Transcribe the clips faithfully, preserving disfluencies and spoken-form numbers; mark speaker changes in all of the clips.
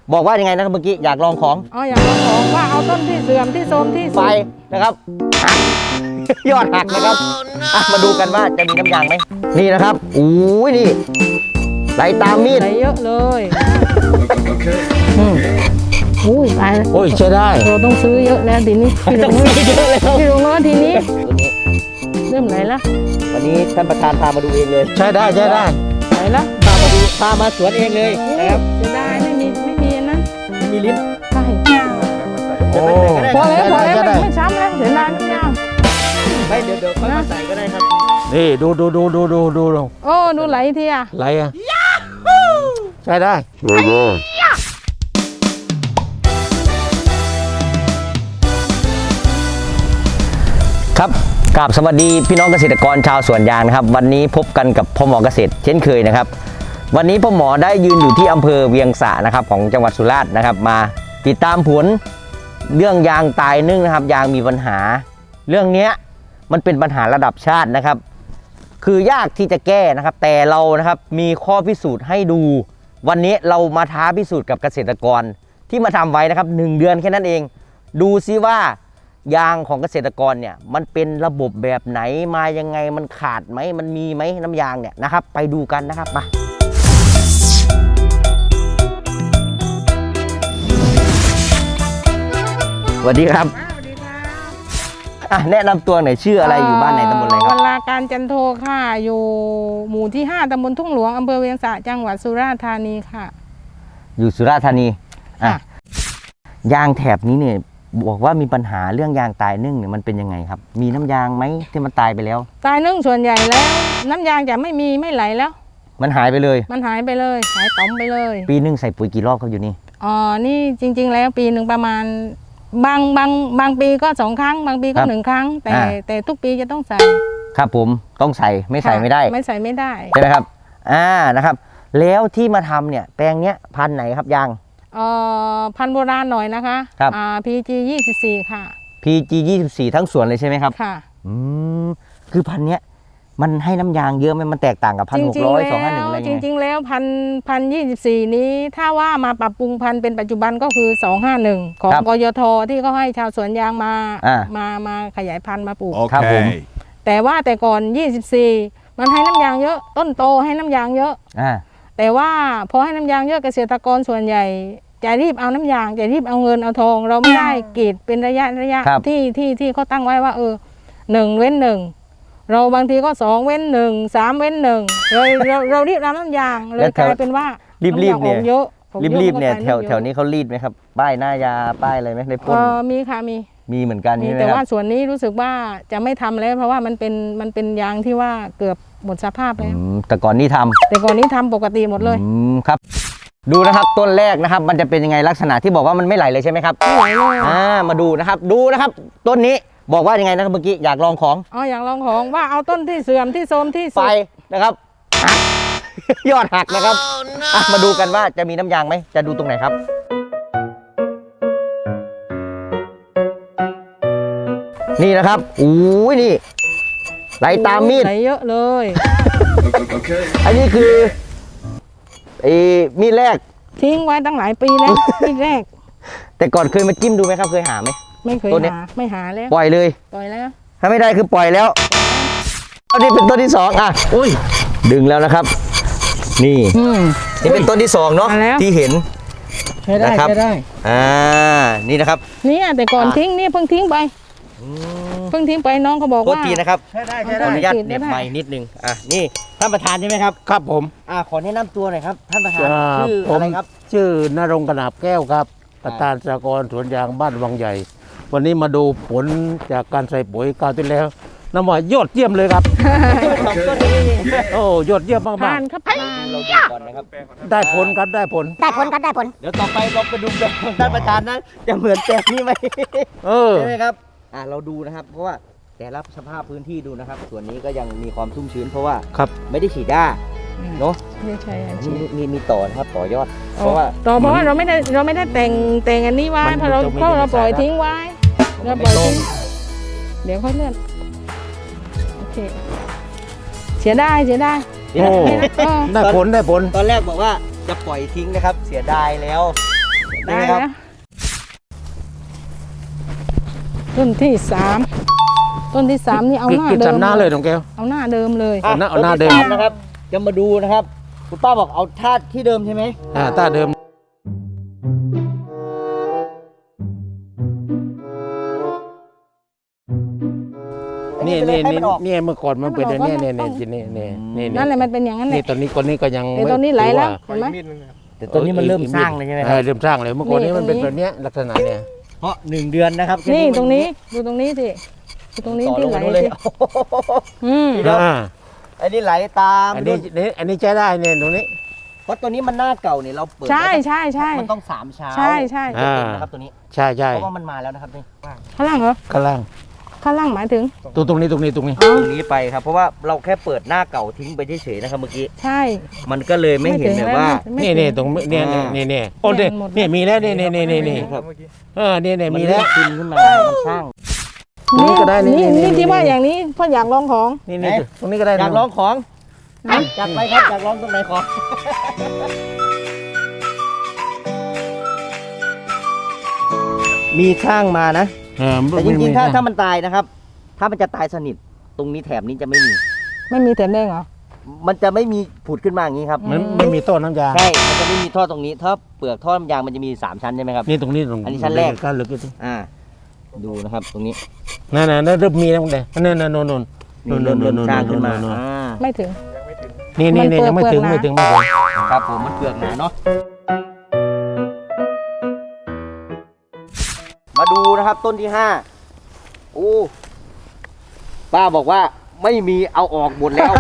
Speaker 1: บอกว่ายังไงนะครับเมื่อกี้อยากลองของ
Speaker 2: อ๋ออยากลองของว่าเอาต้นที่เสื่อมที่โทรมที่สุด
Speaker 1: ไปนะครับหักยอดหักนะครับอ่ะมาดูกันว่าจะมีน้ำยางไหมนี่นะครับอู้ยนี่ไหลตามมีด
Speaker 2: ไหลเยอะเลยอืมอุ้ยตายแล้ว
Speaker 1: โอ้ยใช้ได้
Speaker 2: เราต้องซื้อเยอะแล้วทีนี้พี่ลงเยอะเลยพี่ลงแล้วทีนี้
Speaker 1: ตัวนี้
Speaker 2: เริ่มไหลแล้ว
Speaker 1: วันนี้ท่านประธานพามาดูเองเลย
Speaker 3: ใช่ได้ใช่ได้
Speaker 2: ไหลแล้ว
Speaker 1: พามาดูพามาสวนเองเลยนะครับ
Speaker 2: จะได้ไม่มีไม่มีนะ
Speaker 1: ไม่มีลิ้น
Speaker 2: ใช่
Speaker 3: โอ้
Speaker 2: พอแล้วพอแล้วไม่ช้ำแล้วเสียดายน้ำยาง
Speaker 1: ไม่เดี๋ยวเดี๋ยวค่อยมาใส่ก็ได้ครับ
Speaker 3: นี่ดูดูดูดูดูดูดู
Speaker 2: โอ้ดูไหลทีอ่ะ
Speaker 3: ไหลอ่ะใช่ได้ใช่ได้
Speaker 1: ครับกราบสวัสดีพี่น้องเกษตรกรชาวสวนยางนะครับวันนี้พบกันกับพ่อหมอเกษตรเช่นเคยนะครับวันนี้พ่อหมอได้ยืนอยู่ที่อำเภอเวียงสะนะครับของจังหวัดสุราษฎร์นะครับมาติดตามผลเรื่องยางตายนึ่งนะครับยางมีปัญหาเรื่องนี้มันเป็นปัญหาระดับชาตินะครับคือยากที่จะแก้นะครับแต่เรานะครับมีข้อพิสูจน์ให้ดูวันนี้เรามาท้าพิสูจน์กับเกษตรกรที่มาทำไว้นะครับหนึ่งเดือนแค่นั้นเองดูซิว่ายางของเกษตรกรเนี่ยมันเป็นระบบแบบไหนมายังไงมันขาดไหมมันมีไหมน้ำยางเนี่ยนะครับไปดูกันนะครับมาสวัสดีครับอ่ะแนะนำตัวหน่อยชื่ออะไรอยู่บ้านไหนตำบลอะไรครับ
Speaker 2: วราการจันโทค่ะอยู่หมู่ที่ห้าตำบลทุ่งหลวงอำเภอเวียงสะจังหวัดสุราษฎร์ธานีค่ะ
Speaker 1: อยู่สุราษฎร์ธานีอ่ะยางแถบนี้เนี่ยบอกว่ามีปัญหาเรื่องยางตายนึ่งเนี่ยมันเป็นยังไงครับมีน้ำยางไหมที่มันตายไปแล้ว
Speaker 2: ตายนึ่งส่วนใหญ่แล้วน้ำยางจะไม่มีไม่ไหลแล้ว
Speaker 1: มันหายไปเลย
Speaker 2: มันหายไปเลยหายต่อมไปเลย
Speaker 1: ปีนึงใส่ปุ๋ยกี่รอบเขาอยู่นี่
Speaker 2: อ๋อนี่จริงๆแล้วปีหนึ่งประมาณบางบางบางปีก็สองครั้งบางปีก็หนึ่งครั้งแต่แต่ทุกปีจะต้องใส่
Speaker 1: ครับผมต้องใส่ไม่ใส่ไม่ได้
Speaker 2: ไม่ใส่ไม่ได้
Speaker 1: ใช่ไหมครับอ่านะครับแล้วที่มาทำเนี่ยแปลงเนี้ยพันธุ์ไหนครับยาง
Speaker 2: เอ่อพันธุ์โบราณหน่อยนะคะ
Speaker 1: ครับ
Speaker 2: อ่า พี จี ยี่สิบสี่ ค่ะ
Speaker 1: พี จี ยี่สิบสี่ ทั้งสวนเลยใช่ไหมครับ
Speaker 2: ค่ะ
Speaker 1: อืมคือพันธุ์เนี้ยมันให้น้ำยางเยอะไหมมันแตกต่างกับพันหกร้อยสองห้าหนึ่งอะไรเงี้ย
Speaker 2: จริงๆแล้วพันพันยี่สิบสี่นี้ถ้าว่ามาปรับปรุงพันธุ์เป็นปัจจุบันก็คือสองห้าหนึ่งของกยทที่เขาให้ชาวสวนยางมามามาขยายพันธุ์มาปลูก
Speaker 1: ครับผม
Speaker 2: แต่ว่าแต่ก่อนยี่สิบสี่มันให้น้ำยางเยอะต้นโตให้น้ำยางเยอะ
Speaker 1: อ่า
Speaker 2: แต่ว่าพอให้น้ำยางเยอะเกษตรกรส่วนใหญ่จะรีบเอาน้ำยางจะรีบเอาเงินเอาทองเราไม่ได้กรีดเป็นระยะระยะที่ที่ที่เขาตั้งไว้ว่าเออหนึ่งเว้นหนึ่งเราบางทีก็สองเว้นหนึ่งสามเว้นหนึ่งเราเราเรารีบรับน้ำยางเลยกลายเป็นว่า
Speaker 1: รีบรีบเนี่ย
Speaker 2: เยอะ
Speaker 1: รีบรีบเนี่ยแถวแถวนี้เขารีดไหมครับป้ายหน้ายาป้ายอะไรไหมในพ่น
Speaker 2: มีค่ะมี
Speaker 1: มีเหมือนกัน
Speaker 2: มีแต่ว่าส่วนนี้รู้สึกว่าจะไม่ทำแล้วเพราะว่ามันเป็นมันเป็นยางที่ว่าเกือบหมดสภาพแล้ว
Speaker 1: แต่ก่อนนี้ทำ
Speaker 2: แต่ก่อนนี้ทำปกติหมดเลย
Speaker 1: ครับดูนะครับต้นแรกนะครับมันจะเป็นยังไงลักษณะที่บอกว่ามันไม่ไหลเลยใช่ไหมครับ
Speaker 2: ไม่ไหลเลย
Speaker 1: อ่ามาดูนะครับดูนะครับต้นนี้บอกว่ายังไงนะครับเมื่อกี้อยากลองของ
Speaker 2: อ๋ออยากลองของว่าเอาต้นที่เสื่อมที่โทรมที่สุด
Speaker 1: ไปนะครับหักยอดหักนะครับอ่ะมาดูกันว่าจะมีน้ำยางไหมจะดูตรงไหนครับนี่นะครับอู้ยนี่ไหลตามมีด
Speaker 2: ไหลเยอะเลย
Speaker 1: อันนี้คือไอ้มีดแรก
Speaker 2: ทิ้งไว้ตั้งหลายปีแล้วมีดแรก
Speaker 1: แต่ก่อนเคยมาจิ้มดูไหมครับเคยหาไหม
Speaker 2: ไม่เคยหาไม่หาแล้ว
Speaker 1: ปล่อยเลย
Speaker 2: ปล่อยแล้ว
Speaker 1: ถ้าไม่ได้คือปล่อยแล้วอันนี้เป็นต้นที่สองอ่ะอุ้ยดึงแล้วนะครับนี่นี่เป็นต้นที่สองเนาะที่เห็น
Speaker 2: ใช่ได้ใช่ได้
Speaker 1: อ่านี่นะครับ
Speaker 2: นี่แต่ก่อนทิ้งนี่เพิ่งทิ้งไปเพิ่งทิ้งไปน้องเขาบอกว่า
Speaker 1: โทษทีนะครับใช่ได้ใช่ได้ขออนุญาตเน็บไม้นิดนึงอ่ะนี่ท่านประธานใช่ไหมครับ
Speaker 3: ครับผม
Speaker 1: อ่าขอแนะนำตัวหน่อยครับท่านประธานชื่ออะไรครับ
Speaker 3: ชื่อนรงค์กนาบแก้วครับประธานสหกรณ์สวนยางบ้านวังใหญ่วันนี้มาดูผลจากการใส่ปุ๋ยคราวที่แล้วน้ำหวานยอดเยี่ยมเลยครับโอ้ยอดเยี่ยมมากๆ
Speaker 2: ผ่านครับ
Speaker 1: เราดูก่อนนะครับ
Speaker 3: ได้ผลครับได้ผล
Speaker 4: ได้ผลครับได้ผล
Speaker 1: เดี๋ยวต่อไปเราไปดูแบบท่านประธานนะจะเหมือนแปลงนี้ไหม
Speaker 3: เออ
Speaker 1: ใช่ไหมครับอ่าเราดูนะครับเพราะว่าแต่ละสภาพพื้นที่ดูนะครับส่วนนี้ก็ยังมีความชุ่มชื้นเพราะว่า
Speaker 3: ครับ
Speaker 1: ไม่ได้ฉีดหญ้าเนาะ
Speaker 2: ไม่ใช่
Speaker 1: มีมีมีต่อนะครับต่อยอดเพราะว่า
Speaker 2: ต่อเพราะว่าเราไม่ได้เราไม่ได้แต่งแต่งอันนี้ไว้เพราะเราเพราะเราปล่อยทิ้งไว้เราปล่อยทิ้งเดี๋ยวค่อยเลื่อนโอเคเสียได้เสียได้
Speaker 3: โอ้ได้ผลได้ผล
Speaker 1: ตอนแรกบอกว่าจะปล่อยทิ้งนะครับเสียดายแล้วนี่
Speaker 2: ได้
Speaker 1: ครับ
Speaker 2: แล้วต้นที่สามต้นที่สามนี่เอาหน้า
Speaker 3: กิน
Speaker 2: เดิ
Speaker 3: จำ
Speaker 2: ม
Speaker 3: หน้าเลยน้องแก้ว
Speaker 2: เอาหน้าเดิมเลย
Speaker 1: อ่ะ
Speaker 3: เอาหน้าเอาหน้าเดิม
Speaker 1: ต้ที่สนะครับ จะมาดูนะครับ คุณป้าบอกเอาท่าที่เดิมใช่ไหม
Speaker 3: อ่าตาเดิมนี่
Speaker 1: ไปเลย
Speaker 3: นี่
Speaker 1: ให้
Speaker 3: นี่
Speaker 1: มันออก
Speaker 3: นี่เมื่อก่อนมันเป็น
Speaker 2: ให้มันออก
Speaker 3: เนี่ยเนี่ย
Speaker 2: ต้
Speaker 3: เนี่
Speaker 2: อย ง
Speaker 3: นี่นี่นี่
Speaker 2: นั่นแหละมันเป็นอย่างนั้นแห
Speaker 3: นี่
Speaker 2: ละ
Speaker 3: ตอนนี้คนนี้ก็ยัง
Speaker 2: เดี๋ยวต้นนี้ไหลแล้ว
Speaker 3: ถือ
Speaker 2: เห็นไหม
Speaker 1: แต่ต้นนี้มันเริ่มสร้างเลยใช่ไหมค
Speaker 3: เอ
Speaker 1: รับ
Speaker 3: อเริ่มสร้างเลยเมื่อก่อนนี้
Speaker 2: นี่
Speaker 3: มันเป็น
Speaker 2: ตรงนี้
Speaker 3: แบบเนี้ยลักษณะเนี่ย
Speaker 1: เพราะหนึ่งเดือนนะครับ
Speaker 2: นี่
Speaker 1: แค่มั
Speaker 2: ตรงนี้ดูตรงนี้สิดูตรงนี้
Speaker 1: ต่อ
Speaker 2: ที่
Speaker 1: ลง
Speaker 2: ไหล
Speaker 1: มาดูเลย
Speaker 2: สิอืม
Speaker 1: เดี๋ยว
Speaker 3: อ่า
Speaker 1: อันนี้ไหลตาม
Speaker 3: อันนี้นี่อันนี้ใช้ได้เนี่ยตรงนี้
Speaker 1: เพราะตัวนี้มันหน้าเก่าเนี่ยเราเปิด
Speaker 2: ใช่
Speaker 1: ได้
Speaker 2: ใช่ใช่
Speaker 1: มันต้องสามเช้า
Speaker 2: ใช่ใช่
Speaker 1: จะเต็มนะครับตัวนี้
Speaker 3: ใช่ใช่
Speaker 1: เพราะว่ามันมาแล้วนะครับนี่
Speaker 2: ข้างล่างเหรอ
Speaker 3: ข้างล่าง
Speaker 2: ข้างล่างหมายถึง
Speaker 3: ตรงตรงนี้ตรงนี้ตรงนี้
Speaker 2: อ๋อ
Speaker 1: ตรงนี้ไปครับ เพราะว่าเราแค่เปิดหน้าเก่าทิ้งไปเฉยๆนะครับเมื่อกี้
Speaker 2: ใช่
Speaker 1: มันก็เลยไม่เห็น
Speaker 2: ถึง
Speaker 1: แบบว่า
Speaker 2: ไม่
Speaker 3: นี่
Speaker 2: ถึ
Speaker 3: นี่ตรงเนี่ยเนี่ยเนี่ยเนี่ยโอ้เนี่ย
Speaker 2: มันหมด
Speaker 3: เนี่ยมีแล้วเนี่ยเนี่ยเนี่ยเนี่ยเนี่ย
Speaker 1: ครับ
Speaker 3: เออเนี่ยเนี่ย
Speaker 1: มัน
Speaker 3: มี
Speaker 1: เริ่
Speaker 3: แล้ว
Speaker 1: มขึ้นขึ้นมามันสร้าง
Speaker 3: นี่ก็ได้นี่
Speaker 2: นี่
Speaker 3: นี่
Speaker 2: นี่
Speaker 3: นี่
Speaker 2: ที่ว่าอย่างนี้เพราะอยากลองของ
Speaker 3: นี่นี่
Speaker 1: ไหน
Speaker 3: ตรงนี้ก็ได้
Speaker 1: อยาก
Speaker 3: นะ
Speaker 1: ลองของอ่ะอยากไปครับอยากลองตรงไหนขอ มีช่างมานะ
Speaker 3: เออ
Speaker 1: แต่จริงๆ ถ้า
Speaker 3: ไม่
Speaker 1: ถ้ามันตายนะครับ ถ้ามันจะตายสนิท ตรงนี้แถบนี้จะไม่มี
Speaker 2: ไม่มีแถมแดงเหรอ
Speaker 1: มันจะไม่มีผุดขึ้นมาอย่างนี้ครับ
Speaker 3: มันไม่มีต้นน้ำยา
Speaker 1: ใช่ มันจะไม่มีท่อตรงนี้ ถ้าเปลือกท่อน้ำยางมันจะมีสามชั้นใช่ไหมครับ
Speaker 3: นี่ตรงนี้ตรง
Speaker 1: อันนี้ชั้นแรก
Speaker 3: ก้านลึกที่
Speaker 1: อ่า ดูนะครับ ตรงนี้
Speaker 3: นั่นน่ะนั่นเริ่มมีแล้วมึงเด้นั่นน่ะโน่นโน่น
Speaker 1: นี่เริ่มเริ่มสร้างขึ้นมา
Speaker 3: โน่น
Speaker 1: อ่า
Speaker 2: ไม่ถึง
Speaker 3: นี่นี่นี่
Speaker 2: มัน
Speaker 3: ยังไม่
Speaker 2: เปลื
Speaker 3: ถึ
Speaker 2: อก
Speaker 3: ง
Speaker 2: นะ
Speaker 3: ไม่ถึงไม่ถึง
Speaker 1: ครับผมมันเปลือกหนาเนาะ มาดูนะครับต้นที่ห้าโอ้ป้าบอกว่าไม่มีเอาออกหมดแล้ว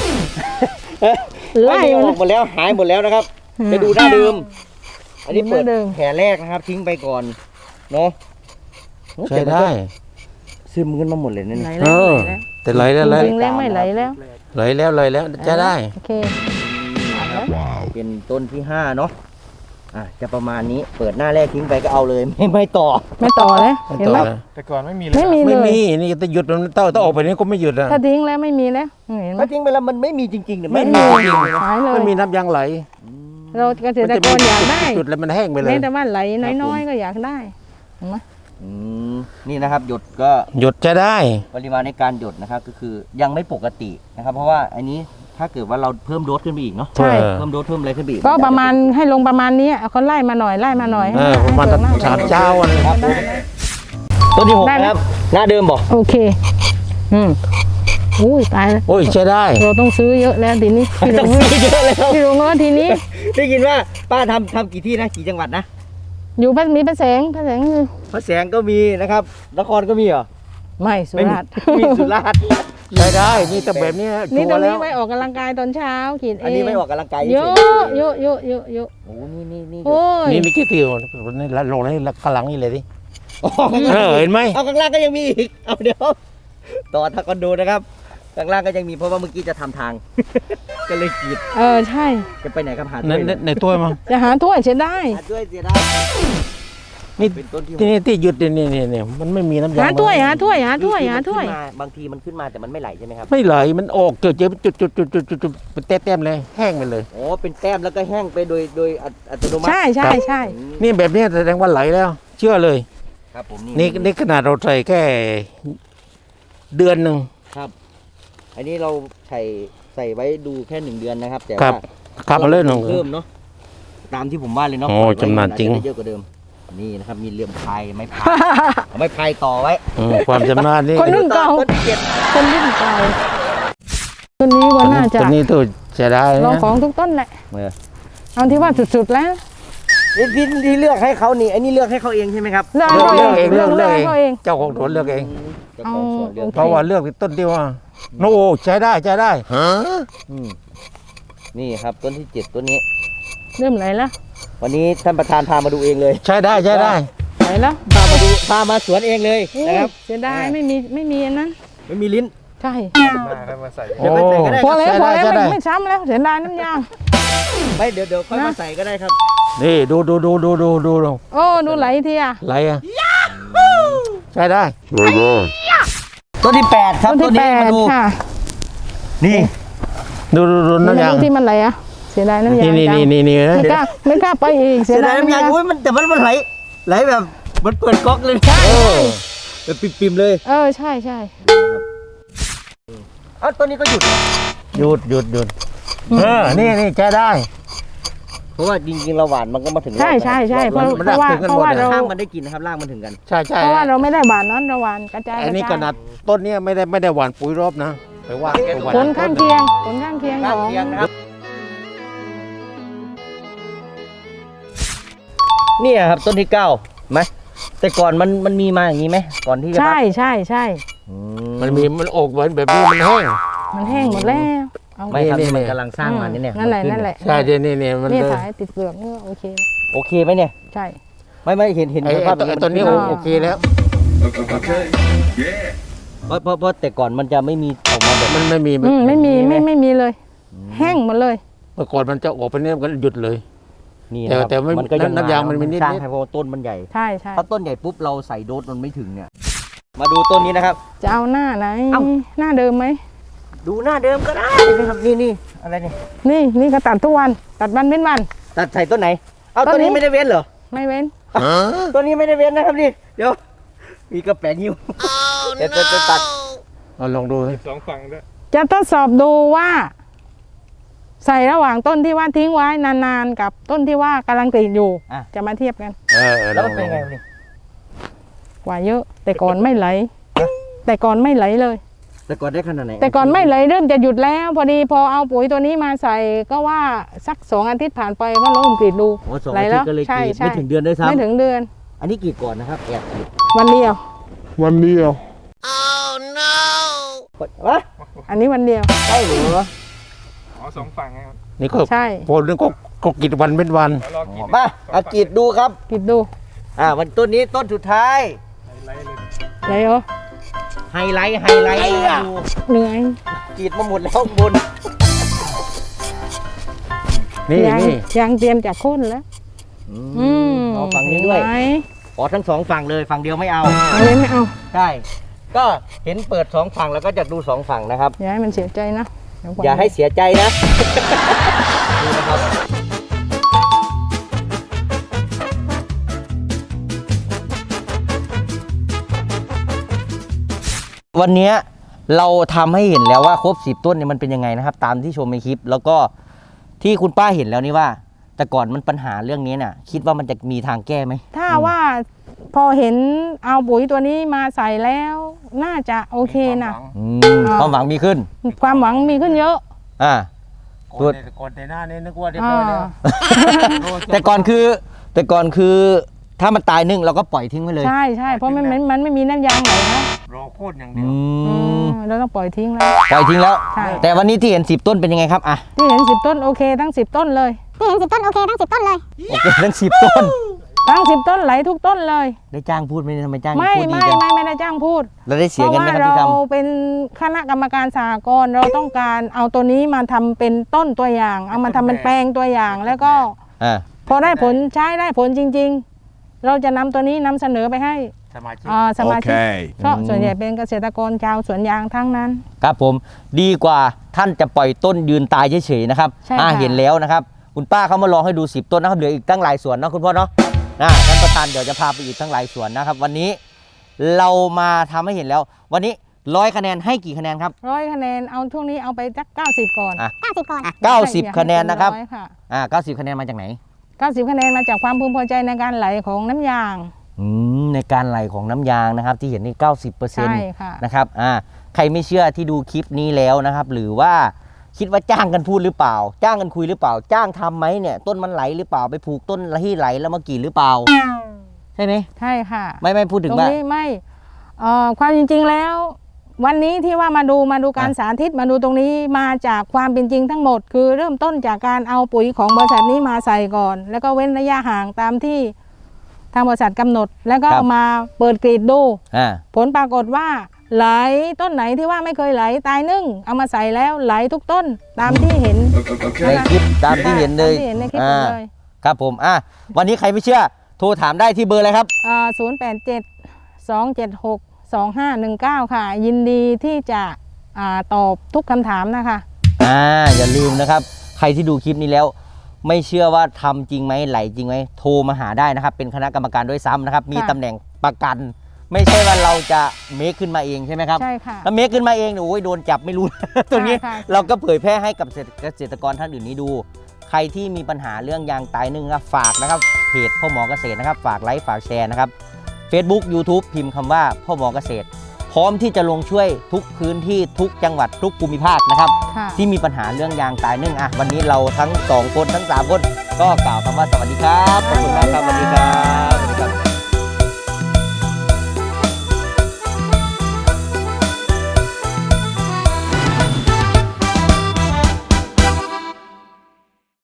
Speaker 2: ไล่
Speaker 1: ไม่มีเอา
Speaker 2: มัน
Speaker 1: ออกหมดแล้วหายหมดแล้วนะครับ
Speaker 2: อืม
Speaker 1: จะดูหน้าเดิม อันนี้
Speaker 2: ดูห
Speaker 1: เปิ
Speaker 2: น้า
Speaker 1: ด
Speaker 2: เดิม
Speaker 1: แผลแรกนะครับ ทิ้งไปก่อนเนาะ
Speaker 3: ใช้ได้
Speaker 1: ซึมขึ้นมาหมดเลยนั่น
Speaker 2: ไหล
Speaker 3: เอ
Speaker 2: แล้ว
Speaker 3: อ
Speaker 2: ไหลแล้ว
Speaker 3: แต่ไหลแล้วไหล
Speaker 2: จริงๆแล้วไม่ไหลแล้ว
Speaker 3: ไหลแล้วไหลแล้วใช้ได้
Speaker 2: โอเคเอาแล้ว
Speaker 1: เป็นต้นที่ห้าเนาะอ่ะจะประมาณนี้เปิดหน้าแรกทิ้งไปก็เอาเลย ไม่ไม่ต่อ
Speaker 2: ไม่ต่อแล้วเห็นไหม
Speaker 4: แต่ก่อนไม่มีเลย
Speaker 2: ไม่มีเล
Speaker 3: ไม่
Speaker 2: ย
Speaker 3: มีนี่จะหยุดมันต้องต้องออกไปนี่ก็ไม่หยุดอ่ะ
Speaker 2: ถ้าทิ้งแล้วไม่มีแล้วเห็นไหม
Speaker 1: ถ้าทิ้งไปแล้วมันไม่มีจริงๆเนี่ย
Speaker 3: ไม่
Speaker 1: ไม่
Speaker 3: มี
Speaker 1: มี
Speaker 3: จริง
Speaker 2: หายเลย
Speaker 3: ไม่มีน้ำยางไหล
Speaker 2: เราเกษตรกรอยากได้
Speaker 3: จุดแล้วมันแห้งไปเลย
Speaker 2: แม้แต่ว่าไหลน้อยๆก็อยากได้เห็นไหม
Speaker 1: อืมนี่นะครับ หยดก็
Speaker 3: หยุดจะได้
Speaker 1: ปริมาณในการหยดนะครับ ก็คือยังไม่ปกตินะครับ เพราะว่าอันนี้ถ้าเกิดว่าเราเพิ่มโดสขึ้นไปอีกเนาะ
Speaker 2: ใช่
Speaker 3: เออ
Speaker 1: เพิ่มโดสเพิ่มอะไรขึ้นไปอีก
Speaker 2: ก็ประมาณให้ลงประมาณนี้เอาเขาไล่มาหน่อยไล่มาหน่อย
Speaker 3: เออประมาณ
Speaker 2: ให้เปลือกหน้
Speaker 3: สามเจ้าอันนี้
Speaker 1: ครับผมต้นที่หกนะครับ หน้าเดิมบอก
Speaker 2: โอเค อืมอุ้ยตายแล้ว
Speaker 3: โอ้ยใช้ได้
Speaker 2: เราต้องซื้อเยอะแล้วทีนี้พี่ล
Speaker 1: ต้อง
Speaker 2: ง
Speaker 1: ซื้อเยอะแล้ว
Speaker 2: พี่ลงเงินทีนี้
Speaker 1: ได้ยินว่าป้าทำทำกี่ที่นะกี่จังหวัดนะ
Speaker 2: อยู่พระมีพระแสงพระแสงคือ
Speaker 1: พระแสงก็มีนะครับนครก็มีเหรอ
Speaker 2: ไม่สุ
Speaker 1: ไม่มี
Speaker 2: ราษฎร์
Speaker 1: มีสุราษฎร์
Speaker 3: ใช้ได้นี่แต่แบบเนี้ย
Speaker 2: นี่
Speaker 3: ชั
Speaker 2: ตร
Speaker 3: ว
Speaker 2: ง
Speaker 3: ร์แล้
Speaker 2: นี้
Speaker 3: ว
Speaker 2: ไว้ออกกำลังกายตอนเช้าขีดเอง
Speaker 1: อันนี้ไม่ออกกำลังกาย
Speaker 2: เย
Speaker 1: เฉ
Speaker 2: อะ
Speaker 1: ๆ
Speaker 2: เยอะเยอะเยอะเยอะ
Speaker 1: โอ้นี่นี่นี่
Speaker 2: โอ้ย
Speaker 3: นี่มีกี่ติวนี่ละลงนี่ละกำลังนี่เลยดิ
Speaker 1: อ๋อ
Speaker 3: เออเห็นไหม
Speaker 1: เอาข้างล่างก็ยังมีอีกเอาเดี๋ยวต่อทางคอนโดนะครับข้างล่างก็ยังมีเพราะว่าเมื่อกี้จะทำทาง ก็เลยกรีด
Speaker 2: เออใช่
Speaker 1: จะไปไหนครับหา
Speaker 3: ใน
Speaker 1: ด้วย
Speaker 3: ในในตัวมั้ง
Speaker 2: จะหาถ้วยเสียได้
Speaker 1: หาด้วยเสียได้
Speaker 3: นี่
Speaker 1: เป็นต้นที่
Speaker 3: ที่นี่ที่หยุดเนี่ยเนี่ยเนี่ยมันไม่มีน้ำยาง
Speaker 2: หาถ้วยหาถ้วยหา
Speaker 1: คือ
Speaker 2: ถ้วย
Speaker 1: คือ
Speaker 2: หา
Speaker 1: มัน
Speaker 2: ถ้วย
Speaker 1: ขึ้นมาบางทีมันขึ้นมาแต่มันไม่ไหลใช่ไหมครับ
Speaker 3: ไม่ไหลมันออกเจอเจอจุดจุดจุดจุดจุดจุดเป็นแต้มๆเลยแห้งไปเลย
Speaker 1: อ๋อเป็นแต้มแล้วก็แห้งไปโดยโดยอัตอัตโนมัติ
Speaker 2: ใช่ใช่ใช่
Speaker 1: อืม
Speaker 3: นี่แบบเนี้ยแสดงว่าไหลแล้ว เชื่อเลย
Speaker 1: ครับผม
Speaker 3: นี่นี่ขนาดเราใส่แค่เดือนหนึ่ง
Speaker 1: ครับ อันนี้เราใส่ใส่ไว้ดูแค่หนึ่งเดือนนะครับ แต่
Speaker 3: ครั
Speaker 1: ว่า
Speaker 3: บครับมาเล่นหนึ่ง
Speaker 1: เพิ่มเนาะตามที่ผมว่าเลยเนาะ
Speaker 3: โอ้
Speaker 1: ปล่ยไว้
Speaker 3: จำนานจริง
Speaker 1: อจจะได้เยอะกว่าเดิมนี่นะครับมีเหลี่ยมพายไม้พายเอาไม้พายต่อไว้
Speaker 3: อืมความจำนาญนี่
Speaker 2: คนรุ่นเก่า
Speaker 1: ต้นที่เจ็ด
Speaker 2: คนรุ่นเก่าต้นนี้ก็น่าจะ
Speaker 3: ตัวนี้ตัวจะได้
Speaker 2: ลอง
Speaker 3: นะ
Speaker 2: ของทุกต้นแหละ
Speaker 1: เออ
Speaker 2: เอาที่ว่าสุดๆแล้ว
Speaker 1: นี่ที่ที่เลือกให้เขานี่อันนี้เลือกให้เขาเองใช่ไหมครับ
Speaker 2: เลือก
Speaker 3: เลือก
Speaker 2: เอา
Speaker 3: เลือกเองเลือก
Speaker 2: เลื
Speaker 3: เลื
Speaker 2: อ
Speaker 3: อก ก
Speaker 2: เอา
Speaker 3: เอ
Speaker 2: เอง ง
Speaker 3: เจ้าของสวนเลือกเอง
Speaker 1: เจ้าของสวนเลือก
Speaker 2: โอ
Speaker 3: เพราะว่าเลือกต้นที่ว่าโน้ใช้ได้ใช้ได้
Speaker 1: อืมนี่ครับต้นที่เจ็ดต้นนี้
Speaker 2: เริ่มไหลแล้ว
Speaker 1: วันนี้ท่านประธานพามาดูเองเลย
Speaker 3: ใช้ได้ใช้ได้
Speaker 2: ไหลแล้ว
Speaker 1: พามาดูพามาสวนเองเลยนะครับ
Speaker 2: เสียดายไม่มีไม่มีอันนั้น
Speaker 1: ไม่มีลิ้น
Speaker 2: ใช่
Speaker 4: มาแล้วมาใส่
Speaker 1: เดี๋ยวไปใส่ก็ได้
Speaker 2: พอแล้ว
Speaker 3: ใช้
Speaker 2: พอ
Speaker 3: ได้
Speaker 2: แล้ว
Speaker 3: ใช้ได้
Speaker 2: ไม่ไม่ซ้ำแล้วเสียดายน้ำยาง
Speaker 1: ไม่เดี๋ยวเดี๋ยวค่อย
Speaker 2: นะ
Speaker 1: มาใส่ก็ได้ครับ
Speaker 3: นี่ดูดูดูดูดูดูดู
Speaker 2: โอ้ดูไหลทีอ่ะ
Speaker 3: ไหลอ่ะใช้ได้
Speaker 1: ต้นที่แปดครับ
Speaker 2: ต้น
Speaker 1: ต้
Speaker 2: ที่
Speaker 1: น
Speaker 2: แป
Speaker 1: นี้
Speaker 2: ด
Speaker 1: มาดู
Speaker 2: ค่ะ
Speaker 1: นี่
Speaker 3: ดูดูดู
Speaker 2: นี่
Speaker 3: น้ำยาง
Speaker 2: ที่มันไหลอ่ะเสียดายน้ำยาง
Speaker 3: นี่นี่
Speaker 2: จัง
Speaker 3: นี่นี่นี่นะ
Speaker 2: ไม่กล้าไม่กล้าไปอีก
Speaker 1: เสียดายน้ำยางอุ้ยมันแต่มันมันไหลไหลแบบมันเปิดก๊อกเลย
Speaker 2: ใช่
Speaker 1: เออแบบปิ่มๆเลย
Speaker 2: เออใช่ใช่
Speaker 1: เอ้าต้นนี้ก็หยุดเหรอ
Speaker 3: หยุดหยุดหยุดเออนี่นี่แกได้
Speaker 1: เพราะว่าจริงๆเราหวานมันก็มาถึง
Speaker 2: ใช่ใช่ใช่เพราะ
Speaker 3: มัน
Speaker 2: เพราะว่า
Speaker 3: ถึงกัน
Speaker 2: เพราะว่า
Speaker 3: หมดเลย
Speaker 2: เรา
Speaker 1: ข้างมันได้กินนะครับรากมันถึงกัน
Speaker 3: ใช่ใช่
Speaker 2: เพราะว่าเราไม่ได้หวานนั้นเราหวานกระจาย
Speaker 3: อันนี้
Speaker 2: ก
Speaker 3: ข
Speaker 2: ระจาย
Speaker 3: นาดต้นเนี้ยไม่ได้ไม่ได้หวานปุ๋ยรอบนะแต่ว่าหวาน
Speaker 2: ผลข้างเคียงผลข้างเคียง
Speaker 1: ข้าง
Speaker 2: ของ
Speaker 1: เคียงนะครับเนี่ยครับต้นที่เก้าไหมแต่ก่อนมันมันมีมาอย่างนี้ไหมก่อนที่จะ
Speaker 2: ใช่ใช่ใช่
Speaker 1: อื
Speaker 3: มันมีมันออกเหมือนแบบนี้มันแห้ง
Speaker 2: มันแห้งหมดแล้วเอา
Speaker 1: ไม่ครับ
Speaker 3: นี่
Speaker 1: นี่มัน
Speaker 3: นี่
Speaker 1: กำลังสร้างมาเนี่ยเนี่ย
Speaker 2: นั่นแหละ
Speaker 1: มัขึ้
Speaker 2: นั่นแหละ
Speaker 3: ใช่เดี๋ยวนี่เนี่ยมัน
Speaker 2: นี่
Speaker 3: เลย
Speaker 2: สายติดเปลือกนี่โอเค
Speaker 1: โอเคไหมเนี่ย
Speaker 2: ใช่
Speaker 1: ไม่ไม่เห็นเห็น
Speaker 3: ไอ้
Speaker 1: ส
Speaker 3: ไอ้
Speaker 1: ภาพ
Speaker 3: ตัวไอ้ตัวนี้
Speaker 1: มั
Speaker 3: โอ
Speaker 1: ขึ้
Speaker 3: โอเคแล้ว
Speaker 1: เพราะเพราะเพราะแต่ก่อนมันจะไม่มีออกมาแบบ
Speaker 3: มันไม่มี
Speaker 2: อืมไม่มี
Speaker 1: มีไหม
Speaker 2: ไม่ไม่มีเลย แห้งหมดเลย
Speaker 3: เมื่อก่อนมันจะออกไปเนี่ยมันก็หยุดเลย
Speaker 1: นี่
Speaker 3: แต่
Speaker 1: นะครับ
Speaker 3: แต่ไม่
Speaker 1: มันก็ยัง
Speaker 3: น้ำยางมันมีนิดๆ
Speaker 1: สร้างให้เพราะว่าต้นมันใหญ่
Speaker 2: ใช่ใช่
Speaker 1: ถ้าต้นใหญ่ปุ๊บเราใส่โดสมันไม่ถึงเนี่ย มาดูต้นนี้นะครับ
Speaker 2: จะเอาหน้าไหน
Speaker 1: เอ้า
Speaker 2: หน้าเดิมไหม
Speaker 1: ดูหน้าเดิมก็ได้นะครับนี่นี่อะไรเนี่ย
Speaker 2: นี่นี่ก็ตัดทุกวันตัดวันเป็นวัน
Speaker 1: ตัดใส่ต้นไหน เอา
Speaker 2: ต้
Speaker 1: ต้น
Speaker 2: นนี้
Speaker 1: นี้ไม่ได้เว้นเหรอ
Speaker 2: ไม่เว้น
Speaker 1: ต้นนี้ไม่ได้เว้นนะครับนี่เดี๋ยวมีกระแปงหิ้วเดี๋ยวจะจะตัด
Speaker 3: เอาลองดูสิ
Speaker 4: สองฝั่งด้วย
Speaker 2: จะทดสอบดูว่า ใส่ระหว่างต้นที่ว่าทิ้งไว้นานๆกับต้นที่ว่ากำลังกรีดอยู่
Speaker 1: อ่ะ
Speaker 2: จะมาเทียบกัน
Speaker 3: เออเออล
Speaker 1: แล้ว
Speaker 3: อง
Speaker 1: มันเป็นไงวะนี่
Speaker 2: กว่าเยอะ แต่ก่อนไม่ไหล แต่ก่อนไม่ไหลเลย
Speaker 1: แต่ก่อนได้ขนาดไหน
Speaker 2: แต่ก่อนไม่ไหลเริ่มจะหยุดแล้ว พอดีพอเอาปุ๋ยตัวนี้มาใส่ก็ว่าสักสองอาทิตย์ผ่านไปก็เริ่มกรีดดู
Speaker 1: โอ้สอง
Speaker 2: ไหล
Speaker 1: อาทิ
Speaker 2: แล้
Speaker 1: ต
Speaker 2: ว
Speaker 1: ย์ก็เลยก
Speaker 2: ใช่
Speaker 1: รีด
Speaker 2: ใช่
Speaker 1: ไม่ถึงเดือนด้วยซ้
Speaker 2: ไม่ถึงเดือน
Speaker 1: ำอันนี้กรีดก่อนนะครับแอบกรีด
Speaker 2: วันเดียว
Speaker 1: วะ
Speaker 2: อันนี้วันเดียว
Speaker 1: ใช่หรือวะ
Speaker 4: อ๋อสองฝั่งไงครับ
Speaker 3: นี่ก็
Speaker 2: ใช่
Speaker 3: พอเรื่องก็ก็กินวันเป็นวัน
Speaker 4: แล้วรอกิน
Speaker 1: มาเอากรีดดูครับ
Speaker 2: กรีดดู
Speaker 1: อ่าวันต้นนี้ต้นสุดท้าย
Speaker 4: ไล่เลย
Speaker 2: ไหลเหรอ
Speaker 1: ไฮไลท์ไฮไลท์ดู
Speaker 2: เหนื่อย
Speaker 1: กรีดมาหมดแล้วข้างบน
Speaker 3: นี่
Speaker 2: ยัง
Speaker 3: นี่
Speaker 2: ยังเตรียมจากโค่นแล้ว อืม
Speaker 1: เอาฝั่งนี้ด้วย
Speaker 2: เห็นไหม
Speaker 1: ขอทั้งสองฝั่งเลยฝั่งเดียวไม่เอา
Speaker 2: เอาเลยไม่เอา
Speaker 1: ใช่ ก็เห็นเปิดสองฝั่งแล้วก็จะดูสองฝั่งนะครับ
Speaker 2: อย่าให้มันเสียใจนะเดี๋วก่น
Speaker 1: อย่าให้เสียใจนะดูนะครับวันนี้เราทำให้เห็นแล้วว่าครบสิบต้นเนี่ยมันเป็นยังไงนะครับ ตามที่ชมในคลิป แล้วก็ที่คุณป้าเห็นแล้วนี่ว่า แต่ก่อนมันปัญหาเรื่องนี้น่ะ คิดว่ามันจะมีทางแก้ไหม
Speaker 2: ถ้าว่าพอเห็นเอาปุ๋ยตัวนี้มาใส่แล้ว น่าจะโอเคนะ
Speaker 1: อืมความหวังมีขึ้น
Speaker 2: ความหวังมีขึ้นเยอะ
Speaker 1: อ่า
Speaker 3: ก่อนในก่อนในหน้านี้นึกว่าเรียบร้อยแล้ว
Speaker 1: แต่ก่อนคือ แต่ก่อนคือ ถ้ามันตายนึ่งเราก็ปล่อยทิ้งไว้เลย
Speaker 2: ใช่ใช่เพราะมันมันมันไม่มีน้ำยางไหลนะ
Speaker 3: รอโคตรอย่าง
Speaker 1: อื
Speaker 3: เดียว
Speaker 1: ม
Speaker 2: เออเราต้องปล่อยทิ้งแล้ว
Speaker 1: ปล่อยทิ้งแล้ว
Speaker 2: ใช่
Speaker 1: แต่วันนี้ที่เห็นสิบต้นเป็นยังไงครับอ่ะ
Speaker 2: ที่เห็นสิบต้นโอเคทั้งสิบต้นเลย
Speaker 5: ที่เห็นสิบต้นโอเคทั้งสิบต้นเลย
Speaker 1: โอเคทั้งสิบต้น
Speaker 2: ทั้งสิบต้นไหลทุกต้นเลย
Speaker 1: ได้จ้างพูดไหมทำไมจ้าง
Speaker 2: ไม่
Speaker 1: พูดดี
Speaker 2: ไม่
Speaker 1: จัง
Speaker 2: ไม่ไม่ได้จ้างพูด
Speaker 1: แล้วได้
Speaker 2: เพ
Speaker 1: เสีย
Speaker 2: ราะ
Speaker 1: เงิน
Speaker 2: ว่า
Speaker 1: ไหมครับ
Speaker 2: เรา
Speaker 1: ที่ท
Speaker 2: เป็นคณะกรรมการสหกรณ์เราต้องการเอาตัวนี้มาทำเป็นต้นตัวอย่าง เอามาทำเป็นแปลงตัวอย่าง แล้วก็
Speaker 1: ำอ่า
Speaker 2: พอได้ผลใช้ได้ผลจริง ๆ เราจะนำตัวนี้นำเสนอไปให้
Speaker 3: สมาชิก
Speaker 2: อ่าสมาชิก
Speaker 4: Okay.
Speaker 2: เพราะส่วนใหญ่เป็นเกษตรกรชาวสวนยางทั้งนั้น
Speaker 1: ครับผมดีกว่าท่านจะปล่อยต้นยืนตายเฉยๆนะครับ
Speaker 2: ใช่
Speaker 1: อ่า
Speaker 2: ค่ะ
Speaker 1: เห็นแล้วนะครับ คุณป้าเขามาลองให้ดูสิบต้นนะครับเหลืออีกตั้งหลายสวนเนาะคุณพ่อเนาะนะท่านประธานเดี๋ยวจะพาไปอีกตั้งหลายสวนนะครับ วันนี้เรามาทำให้เห็นแล้ว วันนี้ร้อยคะแนนให้กี่คะแนนครับ
Speaker 2: ร้อยคะแนนเอาช่วงนี้เอาไปสักเก้าสิบก่อน
Speaker 1: อ่ะ
Speaker 5: เก้าสิบก่อน
Speaker 1: เก้าสิบคะแนนนะครับ
Speaker 2: อยค่ะ
Speaker 1: อ่าเก้าสิบคะแนนมาจากไหน
Speaker 2: เก้าสิบคะแนนมาจากความพึงพอใจในการไหลของน้ำยาง
Speaker 1: อืมในการไหลของน้ำยางนะครับที่เห็นนี่เก้าสิบเปอร์เซ็น
Speaker 2: ใช่
Speaker 1: ต์
Speaker 2: ค่ะ
Speaker 1: นะครับอ่าใครไม่เชื่อที่ดูคลิปนี้แล้วนะครับ หรือว่าคิดว่าจ้างกันพูดหรือเปล่า จ้างกันคุยหรือเปล่า จ้างทำไหมเนี่ยต้นมันไหลหรือเปล่าไปผูกต้นที่ไหลแล้วมากรีดหรือเปล่า ใช่ไหม
Speaker 2: ใช่ค่ะ
Speaker 1: ไม่ไม่พูดถึ
Speaker 2: ต
Speaker 1: ง
Speaker 2: รง
Speaker 1: ว่า
Speaker 2: นี้ไม่เอ่อความจริงๆแล้ว วันนี้ที่ว่ามาดูมาดูการ
Speaker 1: อ่ะ
Speaker 2: สาธิตมาดูตรงนี้มาจากความเป็นจริงทั้งหมด คือเริ่มต้นจากการเอาปุ๋ยของบริษัทนี้มาใส่ก่อน แล้วก็เว้นระยะห่างตามที่ทางบริษัทกำหนด แล้วก็เอามาเปิดกรีดดู
Speaker 1: อ่า
Speaker 2: ผลปรากฏว่าไหลต้นไหนที่ว่าไม่เคยไหลตายนึ่งเอามาใส่แล้วไหลทุกต้นตามที่เห็น
Speaker 1: ในคลิปตามที่เห็นเลย
Speaker 2: ตามที่เห็นในคลิป
Speaker 1: อ่า
Speaker 2: เลย
Speaker 1: ครับผมอ่ะวันนี้ใครไม่เชื่อโทรถามได้ที่เบอร์อะไรครับ
Speaker 2: ศูนย์แปดเจ็ดสองเจ็ดหกสองห้าหนึ่งเก้าค่ะ ยินดีที่จะอ่าตอบทุกคำถามนะคะ
Speaker 1: อ่าอย่าลืมนะครับใครที่ดูคลิปนี้แล้วไม่เชื่อว่าทำจริงไหมไหลจริงไหมโทรมาหาได้นะครับเป็นคณะกรรมการด้วยซ้ำนะครับมีตำแหน่งประกัน ไม่ใช่ว่าเราจะเมคขึ้นมาเองใช่ไหมครับ
Speaker 2: ใช่ค่ะ
Speaker 1: ถ้าเมคขึ้นมาเองเนี่ยโอ้ยโดนจับไม่รู้ ตัวนี้
Speaker 2: ค่ะ
Speaker 1: เราก็เผยแพร่ให้กับเกษตรกรท่านอื่นนี้ดู ใครที่มีปัญหาเรื่องยางตายนึ่งครับฝากนะครับเพจพ่อหมอเกษตรนะครับฝากไลค์ฝากแชร์นะครับ Facebook YouTube พิมพ์คำว่าพ่อหมอเกษตร พร้อมที่จะลงช่วยทุกพื้นที่ทุกจังหวัดทุกภูมิภาคนะครับ
Speaker 2: ค่ะ
Speaker 1: ที่มีปัญหาเรื่องยางตายนึ่งอ่ะวันนี้เราทั้งสองคนทั้งสามคนก็กล่าวคำว่าสวัสดีครับขอบคุณมากครับสวัสดีครับ